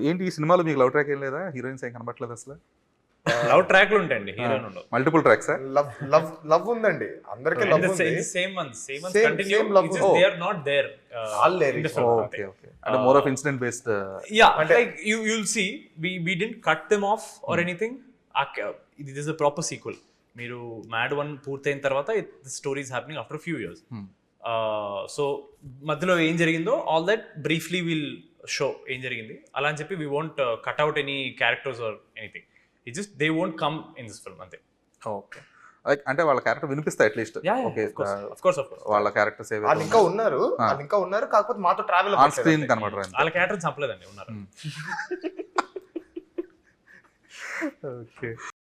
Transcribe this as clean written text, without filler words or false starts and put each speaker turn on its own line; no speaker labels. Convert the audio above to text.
ఏంటి ఈ సినిమాలో మీకు లవ్ ట్రాక్ ఏం లేదా? హీరోయిన్స్ ఏం కనబడట్లేదు అసలు?
లవ్ ట్రాక్లు ఉంటాయండి, హీరోయిన్ ఉండవు.
Multiple tracks?
లవ్ ఉందండి, అందరికి లవ్ ఉంది.
Same once
Same
continue,
love.
They are not there
All there is.
Okay okay. అంటే more of incident based.
Yeah, like you'll see we didn't cut them off or anything. This is a proper sequel. మీరు mad 1 పూర్తయిన తర్వాత the story is happening after a few years. So మధ్యలో ఏం జరిగిందో all that briefly will show ఏం జరిగింది అలా అని చెప్పి we won't cut out any characters or anything. It just they won't come in this film అంతే.
ఓకే. అంటే వాళ్ళ క్యారెక్టర్ వినిపిస్తాయి అట్లీస్ట్. ఓకే,
ఆఫ్ కోర్స్
వాళ్ళ క్యారెక్టర్స్ ఏవైతే
వాళ్ళు ఇంకా ఉన్నారు కాకపోతే మాతో ట్రావెల్
ఆన్ స్క్రీన్ కనబడరు.
వాళ్ళ క్యారెక్టర్ చంపలేదండి, ఉన్నారు.
ఓకే.